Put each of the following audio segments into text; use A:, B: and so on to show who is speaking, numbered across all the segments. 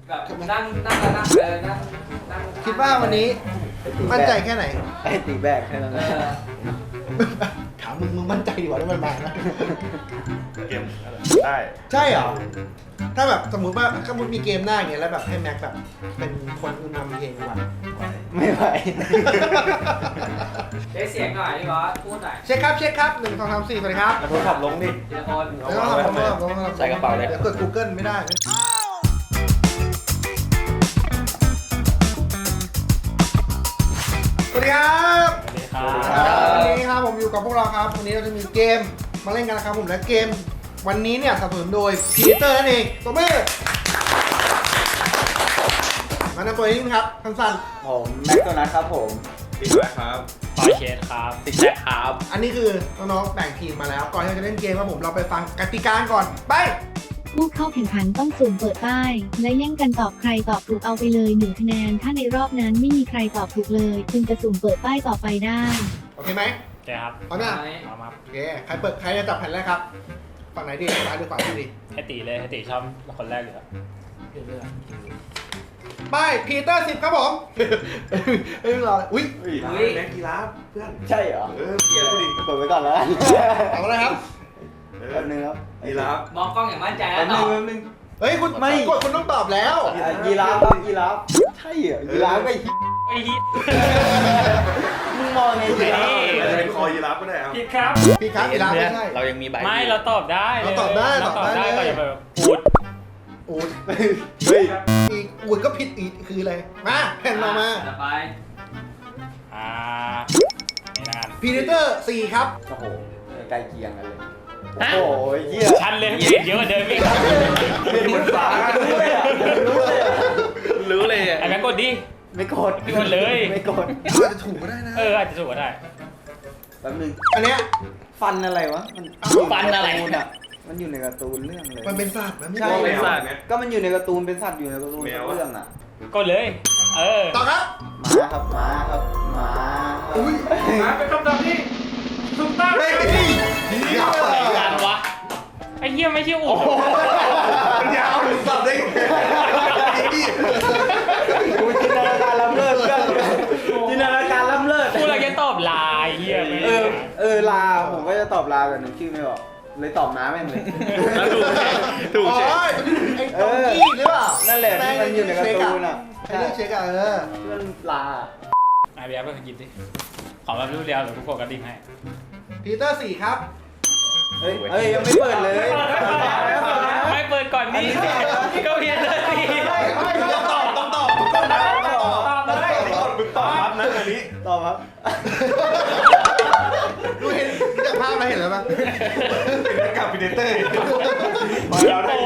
A: แบบนั่งนั่งนั่งนั่ง
B: คิดว่าวันนี้มั่นใจแค่ไหน
C: ไอ้ตีแบกแค่นั้น
B: ถามมึงมั่นใจดีกว่าได้มันมานะ
D: เกมได้
B: ใช่เหรอถ้าแบบสมมติว่าถ้ามุดมีเกมหน้าอย่างเงี้ยแล้วแบบให้แม็กแบบเป็นคนนำเพลงว่ะ
C: ไม่ไหว
A: เช็คเสียงหน่อยพี่บอสพูดหน่อย
B: เช็คครับเช็คครับ1 2 3 4สวัสดีครับ
D: แล้วโทรศัพท์ลงดิ
A: ทีละคน
B: เดี๋ยวเราทำ
C: ใส่กระเป๋าเลย
B: เดี๋ยวเกิด Google ไม่ได้สวัสดีครับวันนี้ครับผมอยู่กับพวกเราครับวันนี้เราจะมีเกมมาเล่นกันนะครับผมและเกมวันนี้เนี่ยสนับสนุนโดยพีเตอร์นั่นเองตัวมือมาแนะนำตัวนิดนึงครับสั้น
C: ผมแม็กโดนัทครับผม
D: ปิดไว้ครับ
E: ปอยเชดครับติ๊กแจ็คครับ
B: ๆอันนี้คือน้องๆแบ่งทีมมาแล้วก่อนที่เราจะเล่นเกมครับผมเราไปฟังกติกาก่อนไป
F: ผู้เข้าแข่งขันต้องสุ่มเปิดป้าย และแย่งกันตอบใครตอบถูกเอาไปเลย1 คะแนน ถ้าในรอบนั้นไม่มีใครตอบถูกเลยจึงจะสุ่มเปิดป้ายต่อไปได้
B: โอเคไหม
E: โอเคครับ
B: พร้อมยัง
E: พร้อมครับ
B: โอเคใครจะจับแผ่นแรกครับฝั่งไหนดีซ้ายหรือขวาดี
E: ให้ตีเลยให้ตีชอบคนแรกอยู่แล้ว
B: ป้ายพีเตอร์10ครับผมเฮ้ยรออุ้ย
D: แม็กกีราฟเพื่อน
C: ใช่เหรอ
D: เกียร์กูดิ
C: เปิดไว้ก่อนแล้วกัน
B: เอาอะไรครับ
C: แป๊บนึงครับ
D: กีราฟ
A: มองกล้องอย่างมั่นใจ
C: แป๊
A: แล้
C: บ
A: ว
C: นึ
A: ต่อ
C: งแป๊บนึง
B: เฮ้ยคุณไม่กดคุณต้องตอบแล้ว
C: ยีราฟครับยีราฟใช่เหรอยีราฟไม่
E: ไอ้ที่
C: มึงมองไงยีราฟ
D: อาจจะเป็นคอยีราฟก็ได้ครับ
E: ผิดครับ
B: พี่ครับอีลาไม่ใช่
C: เรายังมีใบ
E: ไม่เราตอบได้
B: เราตอบได้
E: เราตอบได้
B: ตอบได้
E: ก็อย่าไปแบบพูด
B: อูด
C: เฮ้ย
B: อีกอูดก็ผิดอีกคืออะไรมาแผ่นต่อมา
A: ต่อไป
E: อ่านี่นะกัน
B: พีเตอร์4ครับ
C: โอ้โหใกล้เคียงกันเลยโอ้โหเหี้ย
E: ชันเลยผิดเยอะกว่าเดิมอีก
C: เป็นเหมือนฝารู้เลยอ่ะรู้เลยอ่ะ
D: รู้เลย
E: ไอ้แม่งกดดิ
C: ไม่กด
E: ไม่กดเลย
C: ไม่กด
B: อาจจะถูกก็ได้นะ
E: อาจจะถูกก็ได้
C: แป๊บนึง
B: อันเนี้ย
C: ฟันอะไรวะมัน
E: ฟันอะไร
C: อยู่ใการ์ตูนอะมันอยู่ในการ์ตูนเรื่องเลย
B: มันเป็นสัตว์มันไม่
C: ใช่
B: ใช่
D: เป็นสัตว์เนี่ย
C: ก็มันอยู่ในการ์ตูนเป็นสัตว์อยู่ในการ์ตูน
D: แมวอะ
C: เรื่องอ่ะ
E: กดเลย
B: ต่อครับ
C: หมาครับหมาครับหมาครับ
B: อุ้ย
D: เป็นคำตอบที่ถูกต้อง
B: เฮ้ยเดี๋ยว
E: ไอ้กันวะไอ้เหี้ยไม่ใช่อู๋
D: มันยาวถึงตอบได้ไง
C: กูจินตนาการล้ำเลิศเพื่อนจินตนาการล้ำเลิศ
E: กูเราจะตอบลายเหี้ยไม่
C: ลาผมก็จะตอบลาแต่นึกชื่อไม่ออกเลยตอบน้าแม่งเลย
D: แล้วถูก
B: อ๋อ
D: เช็ค
B: ไอ้ตองกี้หรือเปล่า
C: นั่นแหละที่มันอยู่ในการ์ตูนอ่ะ
B: ไอ้เรื่องเช็คอะ
C: ที่มันลา
E: ไอ้เบียร์ไปกินดิขอแบบรูปเดียวหรือกูกดกระดิ่งให้
B: พีเตอร์4ครับ
C: เฮ้ยยังไม่เปิดเลย
E: ไม่เปิดก่อนนี่ก็เพียนเลย
D: ต้องตอบถูกต้องนะมึงตอบครับนะอันนี้
C: ตอบครับ
B: ดูเห็นจากภาพมาเห็นแล้วปะ
D: เป็นนักกับพีเตอร์มาแล้วได้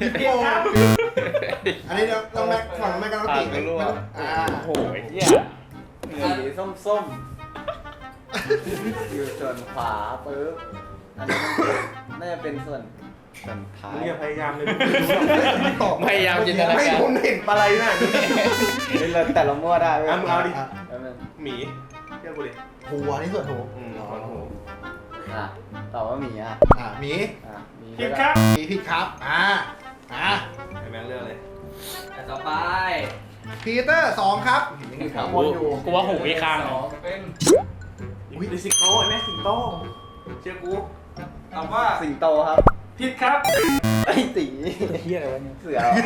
B: อันนี้เราแม็กฝั่งแม็กกันติอ่า
E: โอ้ยเหี้ย
C: สีส้มๆอยู่ส่วนขวาปึ๊บอันนี้น่าจะเป็นส่วนท้าย
D: มึงอย่าพยายามเลย
B: ตอบ
E: พยายามจินตนา
D: ไม่
E: การ
D: ผมเห็นปลาไหลน่ะ
C: แต่เรามั่วได้เว้ย
D: เอามึงเอาดิ
C: แป๊บนึง
D: หมีเชื่อกูดิ
B: หัวนี่ส่วนหัว
C: อ่ะตอบว่าหมีอ่ะ
B: หมี
C: อ่ะหมี
D: ผิดครับ
B: หมีผิดครับ
D: ไอ้แม่งเรื่องเลย
A: แต่ต่อไป
B: พีเตอร์2ครับยังอยู่แถวบนอยู่
E: กูว่าหูอีกข้างหนึ่ง
A: เป็น
D: อุ้ยดิสิงโตไอ้แม่สิงโตเชื่อกู
A: ตอบว่า
C: สิงโตครับ
A: ผิดครับ
C: ไอ้ตี
E: เหี้ยอะไรวะเนี่ย
C: เสือเหรอ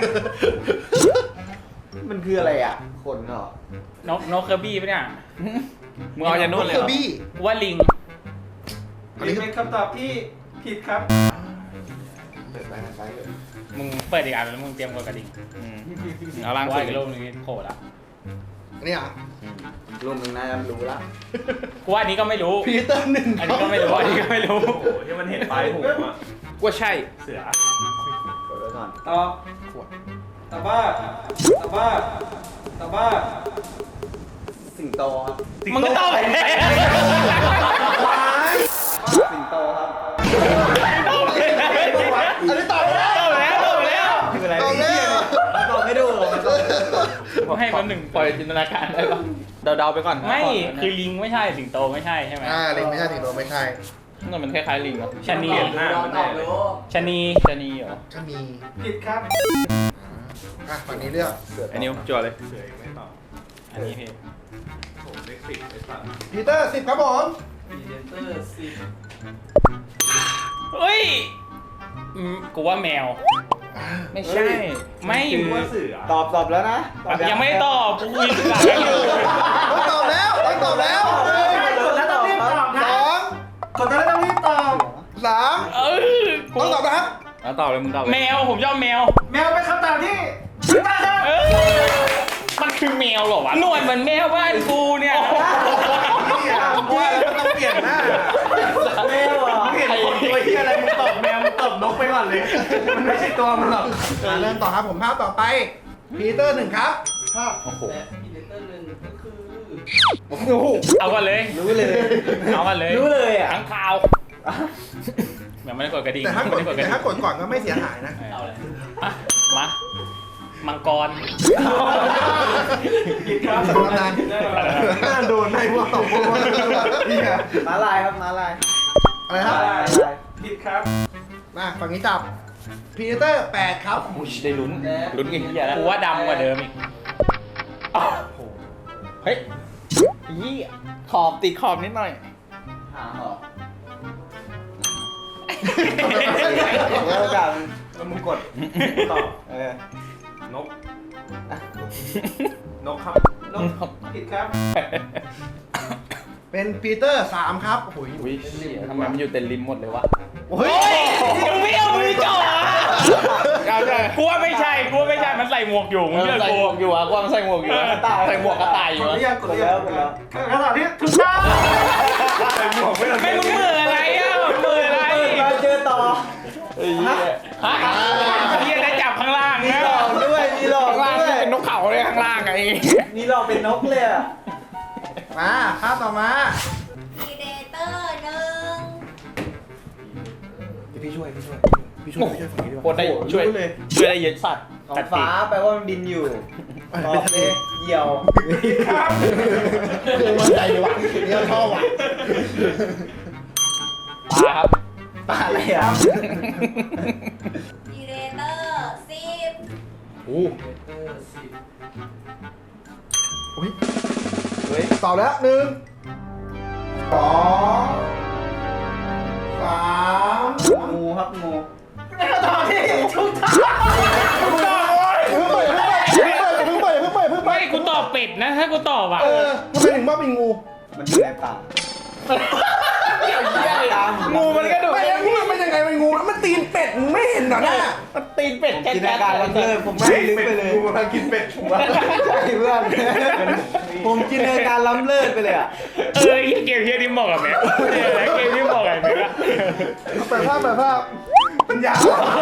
C: มันคืออะไรอ่ะขนเหรอน
E: กเคอร์บี้ปะเนี่ยมึงเอาจากนู้นเลย
B: เค
E: เห
B: อ
E: รอ
B: ร์บี้
E: กูว่าลิง
B: อันนี้
A: เป็นคำตอบที่ผิดครับ
E: มึงเปิดอีกอันแล้วมึงเตรียมกดกระดิ่งเอาล่างสุดอีกรูปนึงโผล่ละ
B: อันนี้อ่ะ
C: รูปมึงน่าจะรู้ละ
E: กูว่าอันนี้ก็ไม่รู้
B: พีเตอร์1
E: อันนี้ก็ไม่รู้อันนี้ก็ไม่รู้
D: โอ้โหที่มันเห็นปลายหูอ่ะ
E: กูว่าใช่
D: เสือก
C: ดไว้ก่อน
A: ตอบตอบว่าตอบว่าตอบว่า
C: สิงโตครับ
E: มึงก็ต้องไป
C: สิงโตครับ
B: อันนี้ตอบแล้ว
E: ตอบแล้ว
C: คืออะไร
B: ตอบแล้ว
C: ตอบไม่ดูหรอก
E: ให้แป๊บหนึ่งปล่อยจินตนาการได้ปะเดาๆไปก่อนไม่คือลิงไม่ใช่สิงโตไม่ใช่ใช่ไหม
B: ลิงไม่ใช่สิงโตไม่ใช่
E: มันคล้ายๆลิงเหรอชะนี
D: หน้ามัน
A: ตอบรู้
E: ชะนีเหรอ
B: ถ้ามี
A: ผิดครับ
B: อ่ะฝั่งนี้เลือก
E: อันนี้จั่วเลย
D: เสือยังไม่ตอบ
E: อันนี้พี่
D: โอ้เลข10ไอ้สัตว์
B: พีเตอร์10ครับผม
A: พีเดเตอร์สิบ
E: เฮ้ยกูว่าแมว ไม่ใช่ ไม่
D: คิดว่าเสือ
C: ตอบแล้วนะตอบ
E: ยังไม่ตอบกูคุยกับกันอยู่
B: ต้องตอบแล้วต้องตอบแล้ว
C: กดแล้วต้องรีบตอบ
B: สอง
A: กดแล้วต้องรีบตอบ
B: สาม
E: เออกู
B: ต้องตอบนะครับ
E: แล้วตอบเลยมึงตอบแมวผมชอบแมว
A: แมวเป็นคำตอบที่ถูกต้องครับ
E: เออมันคือแมวเหรอวะหนวดเหมือนแมวบ้านกูเนี่ย
D: ว่าแล้วต้องเปลี่ยนหน้า
C: แม่หรอ
D: เปลี่ยนคนตัวเฮียอะไรมึงตอบแมวมึงตอบนกไปก่อนเลย มันไม่ใช่ตัวมันหรอก
B: เริ่มต่อครับผมภาพต่อไปพีเตอร์1ครับภาพ
E: โอ้โห
A: และพีเดเตอร์หนึ่งก็คือ
E: เอากันเลย
C: รู้เลย
E: เอากันเลย
C: รู้เลยอ่ะ
E: ทั้งข่าวยังไม่ได้กดกระดิ่ง
B: แต่ถ้ากด
E: ไม่ได้กดกระ
B: แต่
E: ดิ่ง
B: ถ้ากดก่อนก็ไม่เสียหายนะ
A: เอาเลย
E: อ่ะมามังกร
A: ผิดครับ
B: สำนักงาน
D: หน้าโดนให้พวกตอบพวกเฮีย
C: ม้าลายครับม้าลาย
B: อะไรครับ
C: ม้าลาย
A: ผิดครับ
B: มาฝั่งนี้จับพีเตอร์8ครับ
E: ได้ลุ้นลุ้นกันเหี้ยแล้วกูว่าดำกว่าเดิมอีกเฮ้ยยี่ขอบติดขอบนิดหน่อย
C: หางเหรอแล้วโอกาส
D: แล้วมึงกดตอบ นก นกครับ
A: นกผิดครับ
B: เป็นพีเตอร์3ครับโอ้โห
E: อุ้ยทำไมมันอยู่เต็มริมหมดเลยวะ
B: เฮ้ย
E: มึงไม่เอามือจ่อกูว่าไม่ใช่กูว่าไม่ใช่มันใส่หมวกอยู่มึงเลือกกูอยู่อ่ะกูว่ามันใส่หมวกอยู่ใส่หมวกกระต่ายอก ยู่
A: ด
E: อ่ะ
A: หรือยังกดหรือยัง
C: กดแล้ว
A: คำตอบที่ถูกต้อง
D: ใส่หมวกไม่ได้
E: ไม่มึงมืออะไรอ่ะมืออะไร
C: มาเจอต่อ
E: ฮะเฮียได้จับข้างล่าง
C: มี
E: นะ
C: หลอกด้วยมีหลอก
E: ข้างล่าง
C: ด้วย
E: เป็นนกเขาเลยข้างล่างไง
C: มีหลอกเป็นนกเลยอ่ะ
B: มาภาพต่อมา
G: พีเดเตอร์หนึ่ง
B: พี่ช่วยฝั่งนี้ดีก
E: โค
B: ว่า
E: ตรได้ช่วยช่วยได้เยอะสัตว์
C: ของฟ้าแปลว่ามันบินอยู่ตอบเลยเหยี่ยว
B: คือมันใจดีว่ะเนี่ยชอบว่ะ
E: ปลาครับ
C: ปลาอะไรอ่ะ
G: พีเดเตอร์10
B: โอ้
A: พีเดเตอร์สิบ
B: อุ้ย
C: เฮ้ย
B: ตอบแล้ว1 2 3
C: งูครับงู
A: ตอบที่ถูกต้อง
B: เพิ่งเปิด
E: ไม่กูตอบเป็ดนะถ้ากูตอบอ่ะ
B: ทำไมถึงว่าเป็นงู
C: มันอยู่ในป่า
E: งูมันก็ดู
B: ไม่แล้วงูมันยังไงเป็นงูมันตีนเป็ดมึงไม่เห็นเหรอเนี่ย
E: มันตีนเป็ด
C: ผม
E: แค่
C: จินตนาการล้ำเลิศผมไม่ได้ลึกไปเลย
D: กูกำลังกินเป็ดผมว่า
C: ใช่เพื่อนผมจินตนาการล้ำเลิศไปเลยอ่ะ
E: เกมเฮียที่เหมาะกับแม่เกมที่เหมาะกับแม่
B: เปิดภาพปัญญา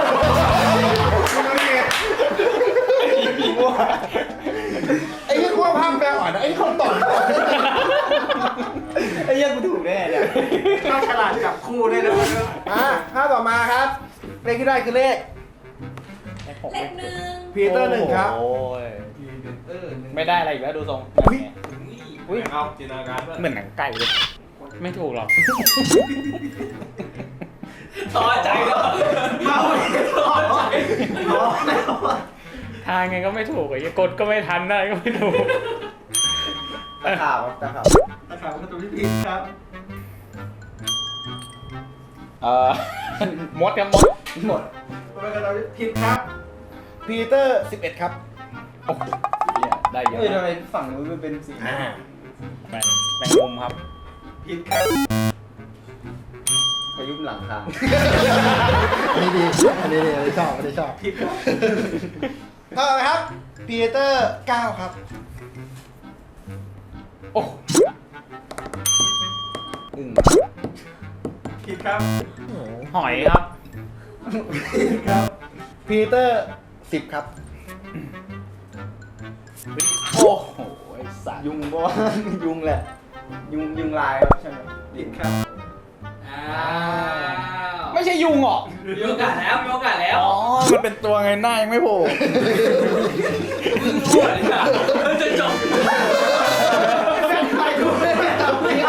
B: ไอ้ที่กลัวภาพแปลอ่อนนะไอ้คนต่อ
C: ไอ้เหี้ยังกูถูกแน่เนี่ย
A: ก็ฉลาดจับคู่ได้เลย
B: ภาพต่อมาครับเลขที่ได้คือเลข
G: เลขหนึ่ง
B: พีเตอร์1ครับ
E: โอ้ย
A: พีเดเตอร์หนึ่ง
E: ไม่ได้อะไรอีกแล้วดูทรง
D: อุ้ยเอาจินตนาการด้วย
E: เหมือนหนังไก่เลยไม่ถูกหรอก
A: ต่อใจแล้วเมาต่อใจ
E: ทางไงก็ไม่ถูกไอ้กดก็ไม่ทันได้ก็ไม่ถูก
C: ตะขาบครับตะขาบ
A: นะครับก็ตัวที่ผิดครับ
E: มดครับมด
C: หมด
A: เป็นคำตอบที่ผิดครับ
B: พีเตอร์11ครับ
E: โอ้โหได้เยอะ
C: เฮ้ยทำไมฝั่งนู้นมันเป็นสี
E: แมงมุมครับ
A: ผิดครับ
C: พายุหลังคา
B: อันนี้ดีอันนี้ชอบ
A: ผิดครับ
B: ต่อไปครับพีเตอร์9ครับ
E: โอ้
C: อึ่ง
A: ผิดครับ
E: หอยครับ
A: ผิดครับ
B: พีเตอร์10ครับ
E: โอ้โหไอ้สัตว์
C: ยุงก็ว่า ยุงแหละ ยุงลายครับใช่ไหม
A: ผิดครับอ้าว
E: ไม่ใช่ยุงหรอ
A: มีโอกาสแล้วมีโอกาสแล้ว
E: อ๋อมันเป็นตัวไงหน้ายังไม่โผล่
A: เพิ่งรู้อ่ะเนี่ยเพิ่งจะจบ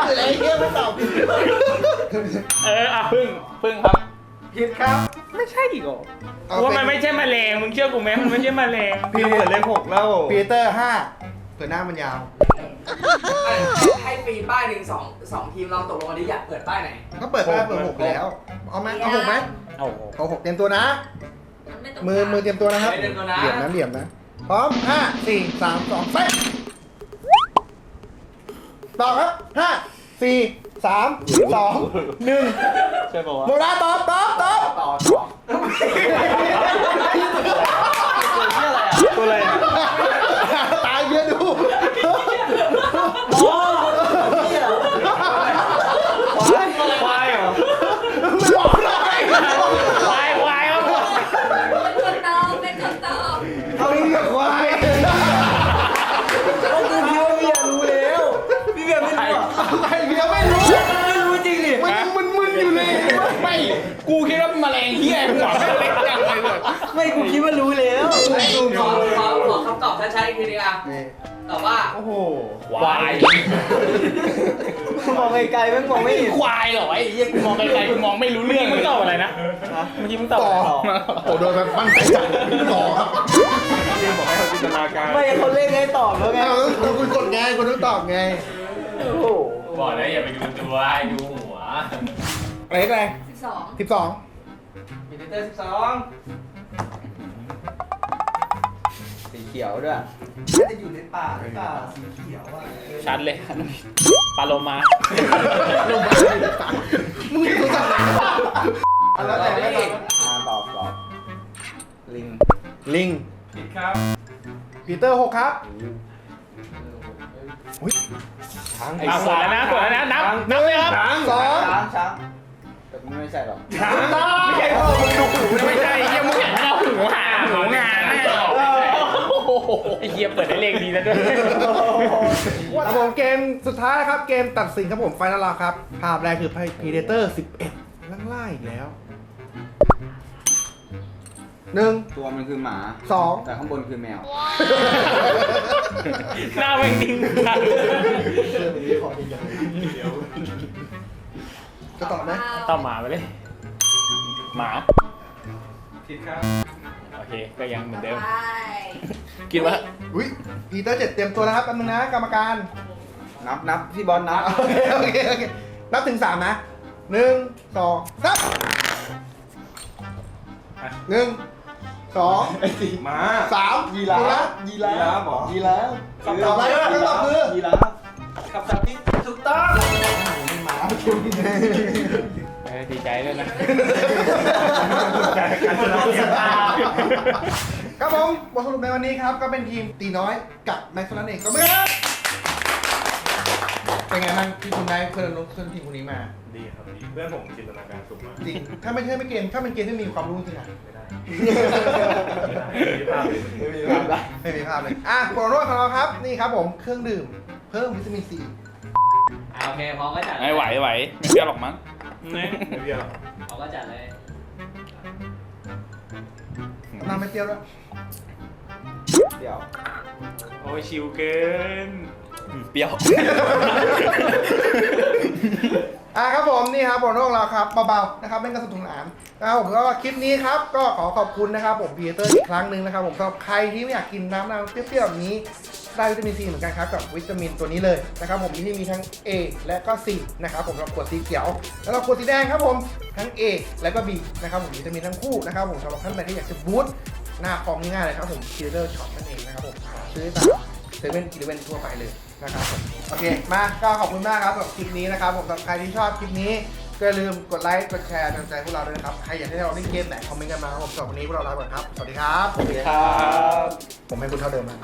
E: อ่ะพึ่งครับ
A: ผิดครับ
E: ไม่ใช่อีกเหรอว่ามันไม่ใช่แมลงมึงเชื่อกูไหมมันไม่ใช่แมลง
D: พี่เปิดเลข6แล้ว
B: พีเตอร์5เผื่อหน้ามันยาว
A: ให้ฟรีป้ายหนึ่งสองทีมลองตกลงกันดิอยากเปิดป้ายไหน
B: ก็เปิดป้ายเปิด6แล้วเอาไหมเอา6ไหม
E: เอา
B: เอา6เตรียมตัวนะ
G: ไม่ต้อง
B: มือเตรียมตัวนะครับ
A: เตรียมตัวนะ
B: เหลี่ยมนะพร้อม5 4 3 2ไปตอบครับ5 4 3 2 1
D: ใช่ป่าวะ
B: โมนาตอบ
C: ต่อ
D: ตัวอะไรอ่ะ
B: ตายเบียร์ดู
D: ควายเหรอ
B: ไม่บอกเลย
E: ควายครับ
G: เป็นคำตอบ
B: เอาเรียกควาย
D: พี่เบียร์ไม่รู้อ่ะ
B: อะไรเบียร์ไม่รู้
D: ไม่รู้จริงดิ
B: มันมึนอยู่เลย
E: ไม่กูคิดว่าแมลงเหี้ยหัวไม่เล็กจังเลย
D: ไม่กูคิดว่ารู้แล้ว
A: ขอคำตอบชัดๆอีกทีนึงอ่ะตอบว่า
D: โอ้โห
E: ควาย
D: มองไกลๆไม่มองไม่เห็น
E: ควายเหรอไอ้เหี้ยกูมองไกลๆกูมองไม่รู้เรื่องมึงตอบอะไรนะเมื่อกี้มึงตอบ
B: ต่อ
E: อะไร
B: โอ้โดนแบบมั่นใจจัดต่อครับ
D: พี่บอกให้เราจินตนาการ
C: ไม่เขาเล่นให้ตอบแล้วไง
B: เอาคุณกดไงคุณต้องตอบไง
C: โอ้โห
E: บอกแล้วอย่าไปดูตัวให้ดูหัว
B: อะไรอะไร
G: 12
B: 12
A: พีเตอร์12
C: สีเขียวด้วย
A: น่าจะอยู่ในป่าหรือเปล่าสีเขียวอ่ะ
E: ชัดเลยปลาโลมา
B: ลงมามึงรู้จักไหน
A: แล้วแต่ไม่ผิด
C: ตอบลิง
B: ลิง
A: ผิดครับ
B: ปีเตอร์6ครับอุ้ยช้าง
E: เอากดแล้วนะกดแล้วนะนับเลยครับ
B: สอง
C: ช้างแต่ไม่ใช่หรอก
B: ช้างไม่ใช่พ่อมึงดูหูนะ
E: ไม่ใช่เหี้ยมึงเห็นเอาหูหางานแน่ไอ้เหี้ยเปิดได้เลขดีแล้วด้วย
B: ครับผมเกมสุดท้ายครับเกมตัดสินครับผมไฟนอลครับภาพแรกคือ Predator 11ล่างๆอีกแล้ว1
C: ตัวมันคือหมา
B: 2
C: แต่ข้างบนคือแมว
E: หน้าแม่งนิ่งจัง
B: จะตอบไหม
E: ต้องหมาไปเลยหมา
A: ผิดครับ
E: โอเคก็ยังเหมือนเดิม
G: ไป
E: คิดว่า
B: อุ้ยปีเตอร์7เตรียมตัวแล้วครับแป๊บนึงนะกรรมการ
C: นับพี่บอลนับ
B: โอเคนับถึง3นะ1 2 3 1 2
D: มา
B: 3
C: ยีราฟ
D: ยีราฟเหรอ
C: ยีราฟ
B: คำตอบอะไรคำตอบคือ
C: ยีราฟ
A: คำตอบที่ถูกต้อง
E: ดีใจด้วยนะ
B: ครับผมบทสรุปในวันนี้ครับก็เป็นทีมตีน้อยกับแม็กซ์นั่นเองก็ไม่ครับเป็นไงบ้างที่คุณได้เพื่อนร่วมทีมคนนี้มา
D: ดีครับดีเพื่อนผมจินตนาการสูงมาก
B: จริงถ้าไม่ใช่ไม่เกมถ้าเป็นเกมที่มีความรู้จริงอ่ะ
D: ไม่ได้ไม่มีภาพเลย
B: ไม่มีภาพเลยอ่ะโปรโนของเราครับนี่ครับผมเครื่องดื่มเพิ่มวิตามินซี
A: โอเคพร้อมก็จัด
E: ไม่ไหวไม่เชื่อหรอกมั้ง
D: ไม่เบี้ยหรอก
A: พร้อมก็จัดเลย
B: น้ำไม่เปรี้ยวด้วย
C: เดี๋ยว
E: โอ้ยชิวเกินเปรี้ยว
B: ครับผมนี่ครับโปรโนของเราครับเบาๆนะครับเล่นกันสนุกสนานนะครับผมก็คลิปนี้ครับก็ขอขอบคุณนะครับผมพีเตอร์อีกครั้งหนึ่งนะครับผมสำหรับใครที่ไม่อยากกินน้ำเปรี้ยวๆแบบนี้ได้วิตามินซีเหมือนกันครับกับวิตามินตัวนี้เลยนะครับผมที่มีทั้ง A และก็ C นะครับผมสำหรับขวดสีเขียวแล้วก็ขวดสีแดงครับผมทั้ง A และก็ B นะครับผมวิตามินทั้งคู่นะครับผมสำหรับท่านใดที่อยากจะบูสต์หน้าคอมง่ายๆเลยครับผมพีเตอร์ช็อปนั่นเองนะครับผมซื้อตามเซเว่นอีเลฟเว่นทั่วไปเลยนะครับผมโอเคมาก็ขอบคุณมากครับสำหรับคลิปนี้นะครับผมสำหรับใครที่ชอบคลิปนี้ก็อย่าลืมกดไลค์กดแชร์กำลังใจพวกเราด้วยนะครับใครอยากให้เราเล่นเกมไหนคอมเมนต์กันมาครับผมสำหรับวันนี้พวกเราลาไปก่อนครับสวัสดีครับ
C: ครับ
B: ผมให้คุณเท่าเดิมนะ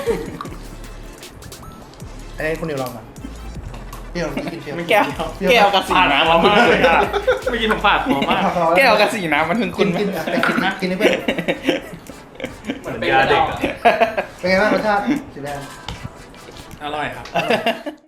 B: ไอ้คุณนิวลองมาเปรี้ยวกินเปรี้ยว
E: แก้วกับสีน้ำมันมากเลยอ่ะไม่กินผมฝาดหอมมากแก้วกับสีน้ำมันถึง
B: กิ
E: คุณ
B: นกินแต่กินให้เพื่อน
A: เหมือนเป็นยาเด็ก
B: เป็นไงบ้างรสชาติสีแดง
E: อร่อยครับ